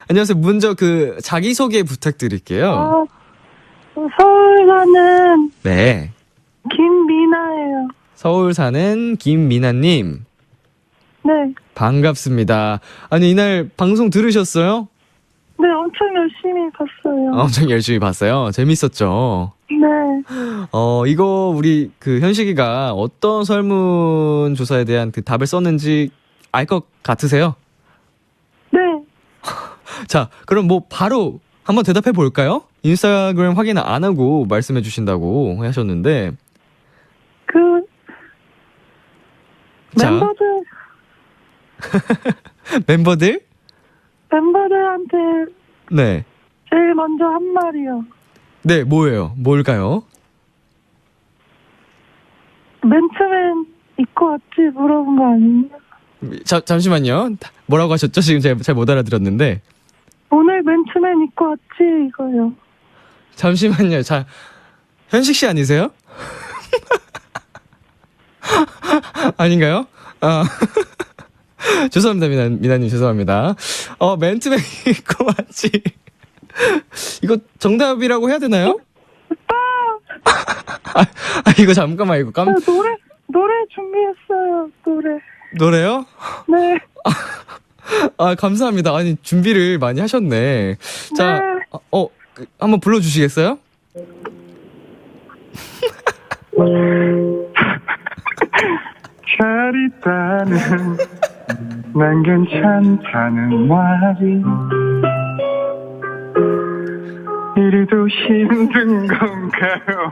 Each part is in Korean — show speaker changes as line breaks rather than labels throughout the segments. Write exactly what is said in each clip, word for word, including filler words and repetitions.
안녕하세요. 먼저 그 자기소개 부탁드릴게요.
어, 서울 사는
네.
김미나예요.
서울 사는 김미나님.
네.
반갑습니다. 아니, 이날 방송 들으셨어요?
네, 엄청 열심히 봤어요.
아, 엄청 열심히 봤어요. 재밌었죠?
네.
어, 이거 우리 그 현식이가 어떤 설문조사에 대한 그 답을 썼는지 알 것 같으세요?
네.
자, 그럼 뭐 바로 한번 대답해 볼까요? 인스타그램 확인 안 하고 말씀해 주신다고 하셨는데.
그,
자.
멤버들,
멤버들?
멤버들한테
네.
제일 먼저 한 말이요.
네, 뭐예요? 뭘까요?
맨투맨 입고 왔지? 물어본 거 아니에요?
자, 잠시만요. 뭐라고 하셨죠? 지금 제가 잘 못 알아들었는데.
오늘 맨투맨 입고 왔지? 이거요.
잠시만요. 자, 현식 씨 아니세요? 아닌가요? 아. 죄송합니다, 미나, 미나님, 죄송합니다. 어, 맨투맨 입고 왔지. 이거 정답이라고 해야 되나요?
오빠!
아, 아, 이거 잠깐만, 이거 깜,
나 노래, 노래 준비했어요. 노래.
노래요?
네.
아, 감사합니다. 아니, 준비를 많이 하셨네. 자,
네.
어, 그, 한번 불러주시겠어요?
잘 있다는 난 괜찮다는 말이 이리도 힘든 건가요?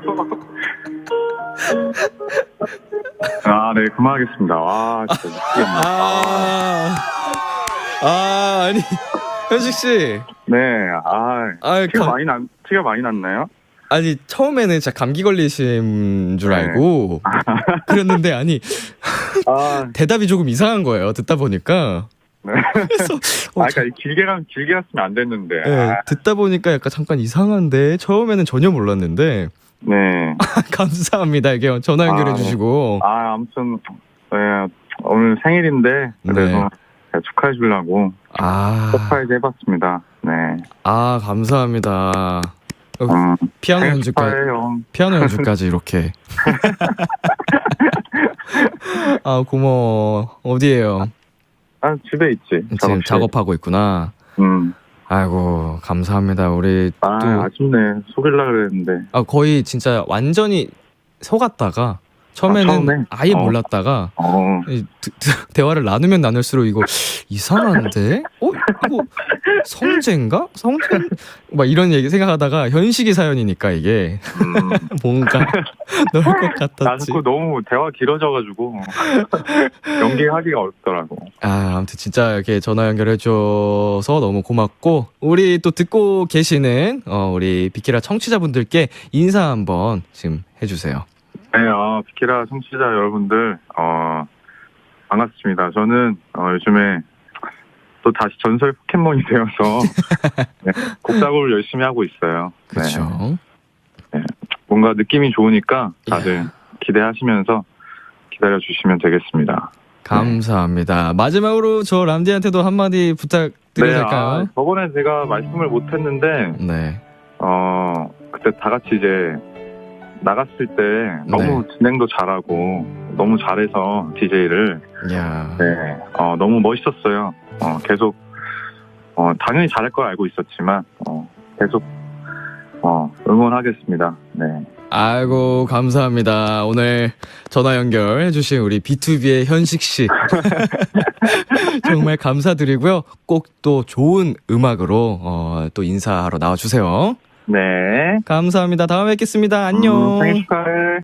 아, 네, 그만하겠습니다. 와, 진짜 미치겠네.
아, 아, 아니, 현식씨.
네, 아,
아,
티가
감-
많이 난, 티가 많이 났나요?
아니, 처음에는 진짜 감기 걸리신 줄
네.
알고. 그랬는데, 아니,
아,
대답이 조금 이상한 거예요. 듣다 보니까.
네.
그래서, 어,
아, 그러니까 길게 가, 길게 갔으면 안 됐는데.
네,
아,
듣다 보니까 약간 잠깐 이상한데, 처음에는 전혀 몰랐는데,
네.
감사합니다. 이게 전화 연결해
아, 네.
주시고.
아, 아무튼, 네, 오늘 생일인데, 그래서 제가 축하해 주려고
아,
서프라이즈 해봤습니다. 네.
아, 감사합니다. 어,
음,
피아노
생일
연주까지,
축하해요.
피아노 연주까지 이렇게. 아, 고마워. 어디에요?
아, 집에 있지.
지금
작업실.
작업하고 있구나.
음.
아이고, 감사합니다. 우리
아,
또,
아쉽네. 속일라 그랬는데.
아, 거의 진짜 완전히 속았다가, 처음에는
아, 처음에?
아예
어.
몰랐다가,
어.
이 드- 드- 대화를 나누면 나눌수록 이거 이상한데? 어? 이거 성재인가? 성재? 막 이런 얘기 생각하다가 현식이 사연이니까 이게
음.
뭔가 넣을 것
나
같았지.
자꾸 너무 대화 길어져가지고 연기하기가 어렵더라고.
아, 아무튼 진짜 이렇게 전화 연결해줘서 너무 고맙고, 우리 또 듣고 계시는, 어, 우리 비키라 청취자분들께 인사 한번 지금 해주세요.
네, 어, 비키라 청취자 여러분들, 어, 반갑습니다. 저는, 어, 요즘에 또 다시 전설 포켓몬이 되어서 네, 곡 작업을 열심히 하고 있어요. 네.
그렇죠.
뭔가 느낌이 좋으니까 다들
예.
기대하시면서 기다려주시면 되겠습니다.
감사합니다. 마지막으로 저 람디한테도 한마디 부탁드려도
네,
될까요?
아, 저번에 제가 말씀을 못했는데,
네.
어, 그때 다 같이 이제 나갔을 때 너무 진행도 잘하고 너무 잘해서 디제이를
야.
네, 어, 너무 멋있었어요. 어, 계속 어, 당연히 잘할 걸 알고 있었지만 어, 계속 어, 응원하겠습니다. 네.
아이고, 감사합니다. 오늘 전화 연결해주신 우리 비투비의 현식 씨. 정말 감사드리고요. 꼭 또 좋은 음악으로, 어, 또 인사하러 나와주세요.
네.
감사합니다. 다음에 뵙겠습니다. 안녕.
음, 생일 축하해.